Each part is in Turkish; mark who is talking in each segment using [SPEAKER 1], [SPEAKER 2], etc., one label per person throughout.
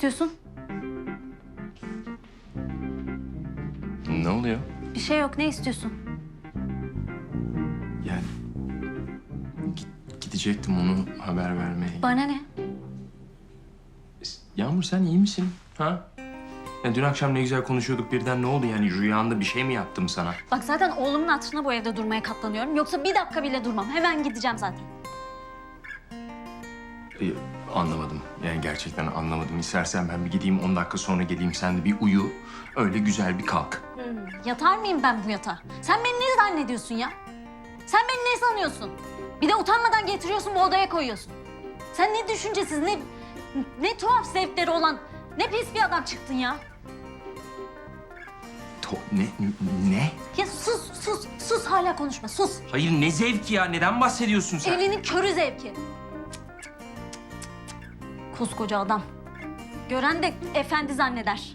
[SPEAKER 1] istiyorsun?
[SPEAKER 2] Ne oluyor?
[SPEAKER 1] Bir şey yok. Ne istiyorsun?
[SPEAKER 2] Yani gidecektim onu haber vermeye.
[SPEAKER 1] Bana ne?
[SPEAKER 2] Yağmur sen iyi misin? Ha? Ya dün akşam ne güzel konuşuyorduk birden ne oldu yani rüyanda bir şey mi yaptım sana?
[SPEAKER 1] Bak zaten oğlumun hatırına bu evde durmaya katlanıyorum. Yoksa bir dakika bile durmam. Hemen gideceğim zaten.
[SPEAKER 2] Anlamadım. Yani gerçekten anlamadım. İstersen ben bir gideyim 10 dakika sonra geleyim sen de bir uyu. Öyle güzel bir kalk.
[SPEAKER 1] Yatar mıyım ben bu yatağa? Sen beni ne zannediyorsun ya? Sen beni ne sanıyorsun? Bir de utanmadan getiriyorsun bu odaya koyuyorsun. Sen ne düşüncesiz, ne tuhaf zevkleri olan, ne pis bir adam çıktın ya.
[SPEAKER 2] Ne?
[SPEAKER 1] Ya sus hala konuşma sus.
[SPEAKER 2] Hayır ne zevki ya? Neden bahsediyorsun sen?
[SPEAKER 1] Elinin körü zevki. Koskoca adam. Gören de efendi zanneder.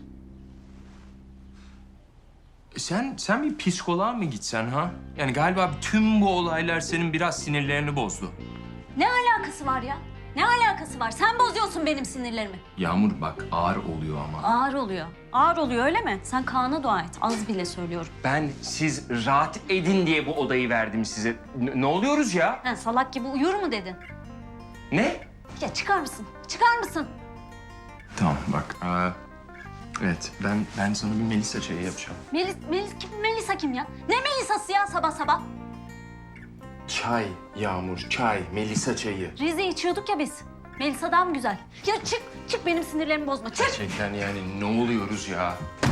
[SPEAKER 2] Sen bir psikoloğa mı gitsen ha? Yani galiba tüm bu olaylar senin biraz sinirlerini bozdu.
[SPEAKER 1] Ne alakası var ya? Ne alakası var? Sen bozuyorsun benim sinirlerimi.
[SPEAKER 2] Yağmur bak ağır oluyor ama.
[SPEAKER 1] Ağır oluyor. Ağır oluyor öyle mi? Sen Kaan'a dua et. Az bile söylüyorum.
[SPEAKER 2] Ben siz rahat edin diye bu odayı verdim size. Ne oluyoruz ya?
[SPEAKER 1] Ha, salak gibi uyur mu dedin?
[SPEAKER 2] Ne?
[SPEAKER 1] Ya çıkar mısın? Çıkar mısın?
[SPEAKER 2] Tamam bak. Evet ben sana bir Melisa çayı yapacağım.
[SPEAKER 1] Melisa kim ya? Ne Melisa'sı ya sabah sabah?
[SPEAKER 2] Çay Yağmur çay Melisa çayı.
[SPEAKER 1] Rize içiyorduk ya biz. Melisa'dan mı güzel? Ya çık benim sinirlerimi bozma. Çık.
[SPEAKER 2] Gerçekten yani ne oluyoruz ya?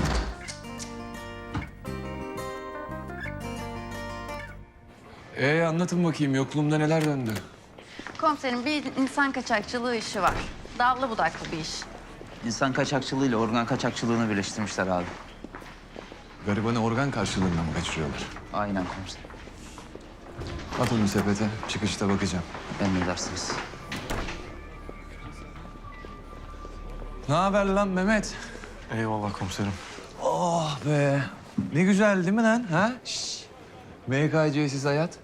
[SPEAKER 3] Anlatın bakayım yokluğumda neler döndü?
[SPEAKER 4] Komiserim bir insan kaçakçılığı işi var. Dallı budaklı bir iş.
[SPEAKER 5] İnsan kaçakçılığıyla organ kaçakçılığını birleştirmişler abi.
[SPEAKER 3] Garibanı organ karşılığında mı kaçırıyorlar?
[SPEAKER 5] Aynen komiserim.
[SPEAKER 3] At onu sepete, çıkışta bakacağım.
[SPEAKER 5] Emredersiniz.
[SPEAKER 3] Ne haber lan Mehmet?
[SPEAKER 6] Eyvallah komiserim.
[SPEAKER 3] Oh be. Ne güzel değil mi lan? Ha? Şşş. MKC'siz hayat.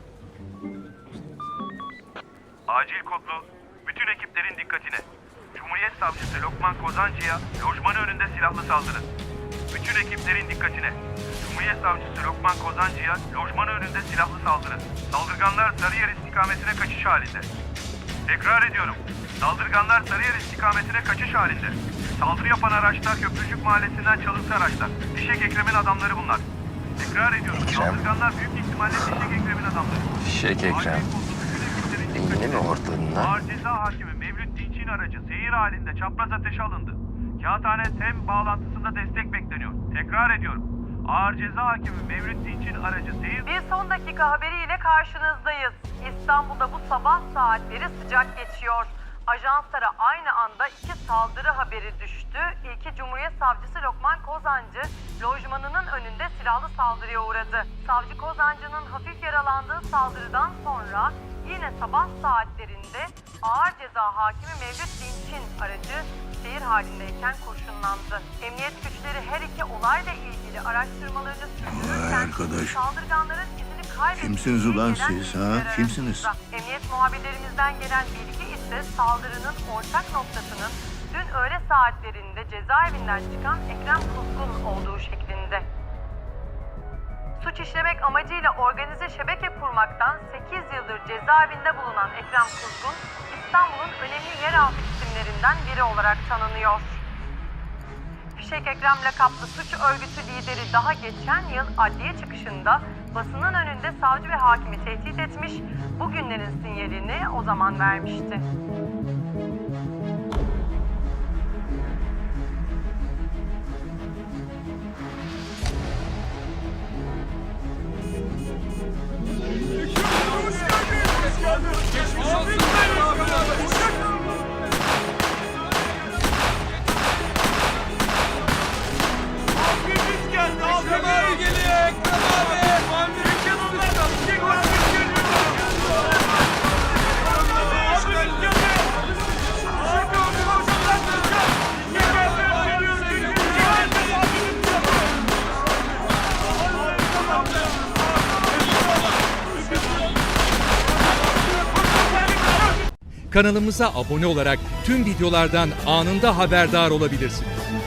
[SPEAKER 7] Acil kodlu, bütün ekiplerin dikkatine. Cumhuriyet Savcısı Lokman Kozancı'ya lojmanı önünde silahlı saldırı. Bütün ekiplerin dikkatine. Cumhuriyet Savcısı Lokman Kozancı'ya lojmanı önünde silahlı saldırı. Saldırganlar Sarıyer istikametine kaçış halinde. Tekrar ediyorum. Saldırganlar Sarıyer istikametine kaçış halinde. Saldırı yapan araçlar Köprücük Mahallesi'nden çalıntı araçlar. Fişek Ekrem'in adamları bunlar. Tekrar ediyorum. Saldırganlar büyük ihtimalle Fişek Ekrem'in adamları.
[SPEAKER 2] Fişek Ekrem. Yine mi ortalığında?
[SPEAKER 7] Ağır Ceza Hakimi Mevlüt Dinç'in aracı seyir halinde çapraz ateşe alındı. Kağıthane TEM bağlantısında destek bekleniyor. Tekrar ediyorum. Ağır Ceza Hakimi Mevlüt Dinç'in aracı seyir...
[SPEAKER 8] Bir son dakika haberiyle karşınızdayız. İstanbul'da bu sabah saatleri sıcak geçiyor. Ajanslara aynı anda 2 saldırı haberi düştü. İlki Cumhuriyet Savcısı Lokman Kozancı, lojmanının önünde silahlı saldırıya uğradı. Savcı Kozancı'nın hafif yaralandığı saldırıdan sonra yine sabah saatlerinde Ağır Ceza Hakimi Mevlüt Dinç'in aracı seyir halindeyken kurşunlandı. Emniyet güçleri her iki olayla ilgili araştırmalarını sürdürürken saldırganların izini kaybettiği...
[SPEAKER 9] Kimsiniz ulan
[SPEAKER 8] gelen
[SPEAKER 9] siz, ha?
[SPEAKER 8] bilgiler
[SPEAKER 9] Kimsiniz?
[SPEAKER 8] arasında. Emniyet muhabirlerimizden gelen bilgi ise saldırının ortak noktasının dün öğle saatlerinde cezaevinden çıkan Ekrem Kuzgun olduğu şeklinde. Suç işlemek amacıyla organize şebeke kurmaktan 8 yıldır cezaevinde bulunan Ekrem Kuzgun, İstanbul'un önemli yeraltı isimlerinden biri olarak tanınıyor. Fişek Ekrem lakaplı suç örgütü lideri daha geçen yıl adliye çıkışında basının önünde savcı ve hakimi tehdit etmiş, bugünlerin sinyalini o zaman vermişti.
[SPEAKER 6] Kanalımıza abone olarak tüm videolardan anında haberdar olabilirsiniz.